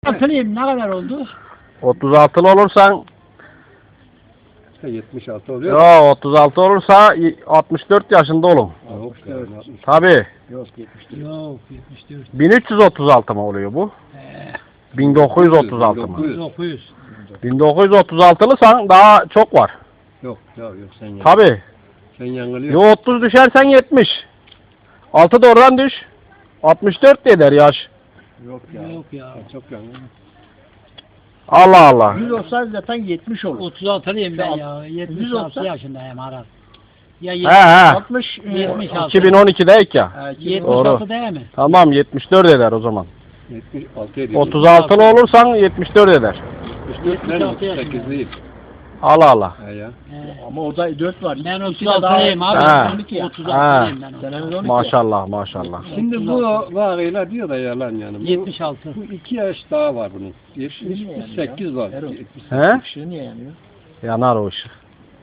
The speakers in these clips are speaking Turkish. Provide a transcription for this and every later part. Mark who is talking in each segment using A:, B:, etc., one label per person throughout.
A: Hatırlayayım ne kadar oldu?
B: 36'lı olursan
C: 76 oluyor.
B: yo 36 olursa 64 yaşında olun.
C: Yok,
B: Tabii.
A: Yok 74. Yok 74.
B: 1336 mı oluyor bu? 1936 mı?
A: 900.
B: 1936'lısan daha çok var.
C: Yok sen yanılıyorsun.
B: Tabii.
C: Sen yanılıyorsun.
B: Yo 30 düşersen 70. 6 da oradan düş. 64 de eder yaş.
C: Yok
A: Yok ya.
C: Sen çok yanılıyorsun.
B: Allah Allah.
A: 100 olsa zaten 70 olur. 36'lıyım ben ya. 76 yaşındayım Aras. Ya
B: He.
A: 60 76.
B: 2012'deyik ya.
A: 76 değil mi?
B: Tamam 74 eder o zaman.
C: 76 ediyor.
B: 36'lı olursan 74 eder.
C: 74 8 değil.
B: Allah Allah.
C: He ya.
A: Ama orada 4 var. Ben
B: He.
A: 36'lıyım abi.
B: He.
A: 36'lıyım ben. Senemiz 12.
B: Maşallah maşallah.
C: Şimdi bu vakıyla diyor da yalan yani.
A: 76.
C: Bu 2 yaş daha var bunun. 78 var.
B: He?
A: Işığı niye yanıyor?
B: Yanar o ışık.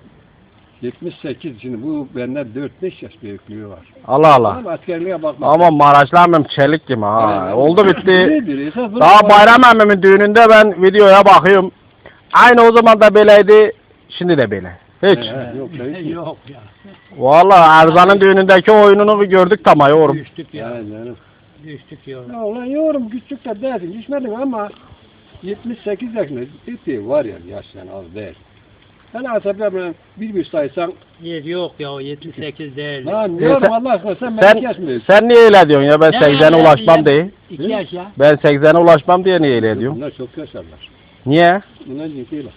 C: 78 şimdi bu benden 4-5 yaş büyüklüğü var.
B: Allah Allah.
C: Ama askerliğe bakma.
B: Ama Maraşlı emmim çelik gibi ha.
C: Evet.
B: Oldu bitti.
C: Nedir? Esas
B: Daha Bayram emmimin düğününde ben videoya bakıyorum. Aynı o zaman da böyleydi. Şimdi de böyle. Hiç.
C: Yok,
A: Yok ya.
B: Vallahi Erzan'ın düğünündeki oyununu bir gördük tam yorum.
A: Düştük ya.
C: Yani canım.
A: Düştük ya.
C: Ya ulan yorum küçük de değilsin. Düşmedin ama 78 yaşında ciddi var ya yaştan az değil. Sen asablarla bir saysan
A: Yok ya 78 değil.
C: lan
B: sen-
C: yorum Allah aşkına sen beni kesmiyorsun.
B: Sen niye öyle diyorsun ya ben 80'e ulaşmam diye.
A: 2 yaş ya.
B: Ben 80'e ulaşmam diye niye öyle diyorum.
C: Bunlar çok yaşarlar.
B: Niye?
C: Bunlar ciddiler.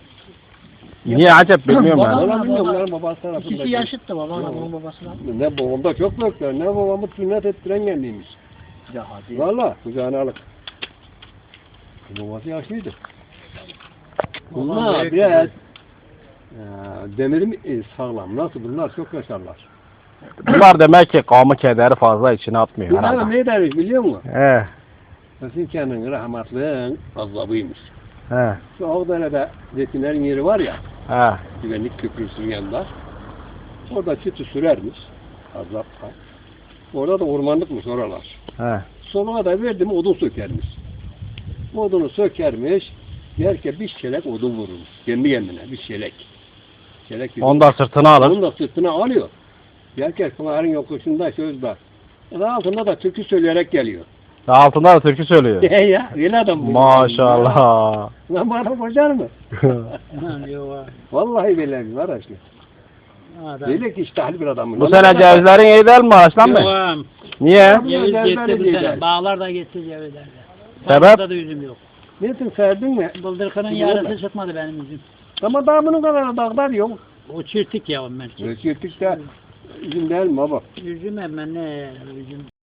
B: Niye acaba bilmiyorum ben.
C: Ulan bilmiyorum bunların babası tarafında.
A: İkisi yaşıttı babamla bunun babasına.
C: Ne babamda çok büyükler. Ne babamı sünnet ettiren kendiymiş.
A: Ya hadi.
C: Valla kucağına alıp. Babası yaşlıydı. Bunlar biraz demirim sağlam. Nasıl bunlar çok yaşarlar.
B: Bunlar demek ki kavmi kederi fazla içine atmıyor
C: Bunlar
B: herhalde.
C: ne demiş biliyor musun?
B: He.
C: Senin kendin rahmetlinin azabıymış.
B: He.
C: Şu Ağdere'de zeytinlerin yeri var ya,
B: He.
C: güvenlik köprüsünün yanında. Orada çıtı sürermiş. Azapta. Orada da ormanlıkmış oralar.
B: He.
C: Sonra da verdim odun sökermiş. Odunu sökermiş. Yerken bir çelek odun vururmuş. Kendi kendine bir çelek. Çelek bir
B: Onu da sırtına alır.
C: Onu da sırtına alıyor. Yerken Pınar'ın yokuşunda sözde. Altında da türkü söyleyerek geliyor.
B: Altında da türkü söylüyor.
C: Ya öyle adam bu.
B: Maşallah.
C: Lan bana kocar mı?
A: Yok
C: Vallahi billahi var aşkına.
A: adam.
C: Böyle ki iştahlı bir adam.
B: Bu sene cevizlerin iyi değil mi Maraş'tan mı?
A: Yok.
B: Niye?
A: Ceviz
C: Cevizler
A: gitti bu
C: de
A: sene.
C: güzel.
A: Bağlar da gitti cevizlerde.
B: Sebep?
A: Bağlarda da üzüm yok.
C: Nesin serdin mi?
A: Bıldırkının
C: Yok
A: yarısı
C: mu?
A: çıkmadı benim üzüm.
C: Ama daha bunun kadar dağlar yok.
A: O çirtik ya ben.
C: Çirtik de üzüm değil mi baba?
A: Üzüm hemen ne üzüm.